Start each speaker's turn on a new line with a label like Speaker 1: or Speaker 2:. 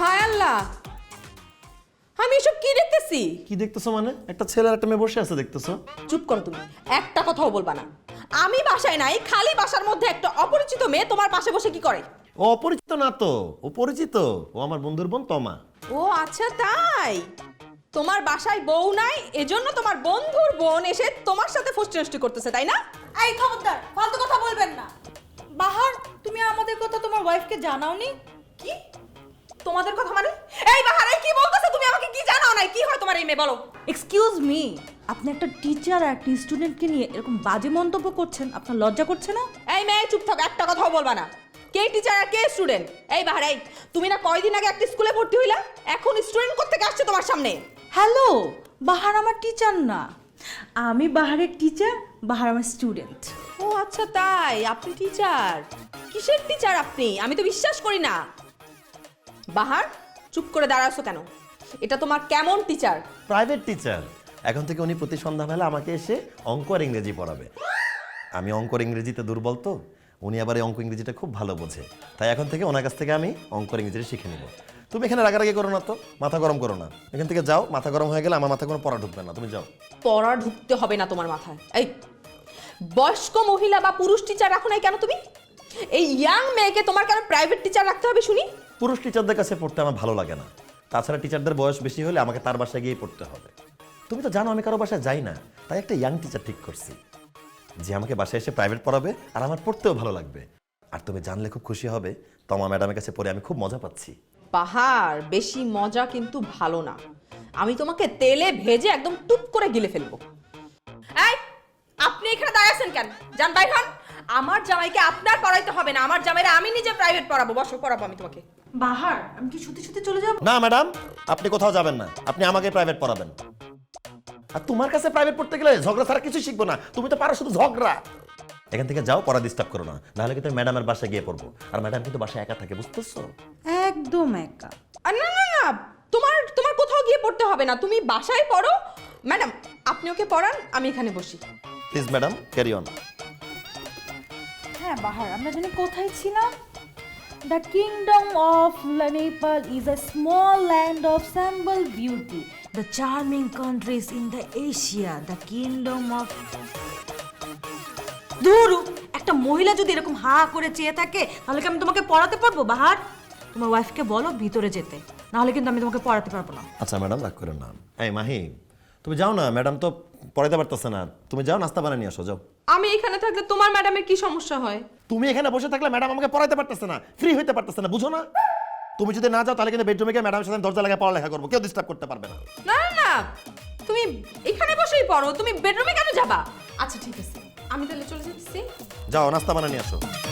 Speaker 1: হায় আল্লাহ, আমি এসব কি দেখতেছি?
Speaker 2: কি দেখতেছো মানে? একটা ছেলে আর একটা মেয়ে বসে আছে দেখতেছো?
Speaker 1: চুপ করো তুমি, একটা কথাও বলবা না। আমি বাসায় নাই, খালি বাসার মধ্যে একটা অপরিচিত মেয়ে তোমার পাশে বসে কি করে?
Speaker 2: ও অপরিচিত না তো, ও পরিচিত। ও আমার বন্ধুর বোন তমা।
Speaker 1: ও আচ্ছা তাই। তোমার বাসায় বউ নাই, এজন্য তোমার বন্ধুর বোন এসে তোমার সাথে ফষ্টি করতেছে, তাই না?
Speaker 3: এই খবরদার, ফালতু কথা বলবেন না। বাহার, তুমি আমাদের কথা তোমার ওয়াইফকে জানাওনি?
Speaker 1: কি তোমাদের কথা মানে? এই বাহারে কি বলতেছো তুমি? আমাকে কি জানাও নাই? কি হয় তোমার এই মেয়ে, বলো।
Speaker 3: এক্সকিউজ মি, আপনি একটা টিচার আর একটা স্টুডেন্টকে নিয়ে এরকম বাজে মন্তব্য করছেন, আপনার লজ্জা করছে না?
Speaker 1: এই মেয়ে চুপ থাক, একটা কথাও বলবা না। কে টিচার আর কে স্টুডেন্ট? এই বাহার, এই তুমি না কয়দিন আগে একটা স্কুলে ভর্তি হইলা, এখন স্টুডেন্ট কোত্থেকে আসছে তোমার সামনে?
Speaker 3: হ্যালো, বাহার আমার টিচার না, আমি বাহারের টিচার, বাহার আমার স্টুডেন্ট।
Speaker 1: ও আচ্ছা তাই, আপনি টিচার? কিসের টিচার আপনি? আমি তো বিশ্বাস করি না। বাহার, চুপ করে দাঁড়াছো কেন? এটা তোমার কেমন টিচার?
Speaker 2: Private teacher. এখন থেকে উনি প্রতি সন্ধ্যাবেলা আমাকে এসে অঙ্ক আর ইংরেজি পড়াবে। আমি অঙ্ক আর ইংরেজিতে দুর্বল তো, উনি আবার এই অঙ্ক ইংরেজিটা খুব ভালো বোঝে। তাই এখন থেকে ওনার কাছ থেকে আমি অঙ্ক আর ইংরেজি শিখে নেব। তুমি এখানে রাগারাগি করো না তো, মাথা গরম করো না। এখান থেকে যাও, মাথা গরম হয়ে গেলে আমার মাথায় কোনো পড়া ঢুকবে না, তুমি যাও।
Speaker 1: পড়া ঢুকতে হবে না তোমার মাথায়। এই বয়স্ক মহিলা বা পুরুষ টিচার রাখো নাই কেন তুমি? এই ইয়াং মেয়েকে তোমার কেন প্রাইভেট টিচার রাখতে হবে শুনি?
Speaker 2: পুরুষ টিচারদের কাছে পড়তে আমার ভালো লাগে না। তাছাড়া টিচারদের বয়স বেশি হলে আমাকে তার বাসায় গিয়ে পড়তে হবে। তুমি তো জানো আমি কারো বাসায় যাই না, তাই একটা ইয়াং টিচার ঠিক করছি যে আমাকে বাসায় এসে প্রাইভেট পড়াবে আর আমার পড়তেও ভালো লাগবে। আর তুমি জানলে খুব খুশি হবে, তোমার ম্যাডামের কাছে পড়ে আমি খুব মজা পাচ্ছি।
Speaker 1: পাহাড়, বেশি মজা কিন্তু ভালো না। আমি তোমাকে তেলে ভেজে একদম টুপ করে গিলে ফেলবো। এই, আপনি এখানে দাঁড়িয়ে আছেন কেন? যান বাইর হন। আমার জামাইকে আপনার পড়াইতে হবে না, আমার জামাইরা আমি নিজে প্রাইভেট পড়াবো। বসো, পড়াবো আমি তোমাকে।
Speaker 3: বাহার, আমি কি সত্যি সত্যি চলে যাব?
Speaker 2: না ম্যাডাম, আপনি কোথাও যাবেন না, আপনি আমাকে প্রাইভেট পড়াবেন। আর তোমার কাছে প্রাইভেট পড়তে গেলে ঝগড়া ছাড়া কিছু শিখবো না, তুমি তো পারো শুধু ঝগড়া। এখান থেকে যাও, পড়া ডিস্টার্ব করো না, নাহলে কিন্তু ম্যাডামের বাসায় গিয়ে পড়বো। আর ম্যাডাম কিন্তু বাসায় একা থাকে, বুঝতেছো?
Speaker 3: একদম একা।
Speaker 1: আর না না না, তোমার তোমার কোথাও গিয়ে পড়তে হবে না, তুমি বাসায় পড়ো। ম্যাডাম, আপনি ওকে পড়ান, আমি এখানে বসি।
Speaker 2: Please madam, carry on.
Speaker 3: হ্যাঁ বাহার, আমরা জানি কোথায় ছিলাম? The kingdom of Nepal is a small land of simple beauty. The charming countries in the Asia. The kingdom of... দুরু, একটা মহিলা যদি এরকম হা করে চেয়ে থাকে তাহলে কি আমি তোমাকে পড়াতে পারবো? বাহার, তোমার ওয়াইফকে বলো ভিতরে যেতে, নাহলে কিন্তু আমি তোমাকে পড়াতে পারবো না।
Speaker 2: আচ্ছা ম্যাডাম, রাগ করেন না। এই মাহি, তুমি যাও না, ম্যাডাম তো পড়াইতে পারতেছে না। তুমি যাও, নাস্তা বানিয়ে নিয়ে আসো, যাও।
Speaker 1: আমি এখানে থাকলে তোমার ম্যাডামের কি সমস্যা হয়?
Speaker 2: তুমি এখানে বসে থাকলে ম্যাডাম আমাকে পড়াইতে পারতেছে না, ফ্রি হইতে পারতেছে না, বুঝো না? তুমি যদি না যাও তাহলে কিন্তু বেডরুমে গিয়ে ম্যাডামের সাথে দরজা লাগায় পড়ালেখা করবো, কেউ ডিস্টার্ব করতে পারবে না।
Speaker 1: না না না, তুমি এখানে বসেই পড়ো, তুমি বেডরুমে কেন যাবা? আচ্ছা ঠিক আছে, আমি তাহলে চলে যাচ্ছি।
Speaker 2: যাও, নাস্তা বানিয়ে নিয়ে আসো।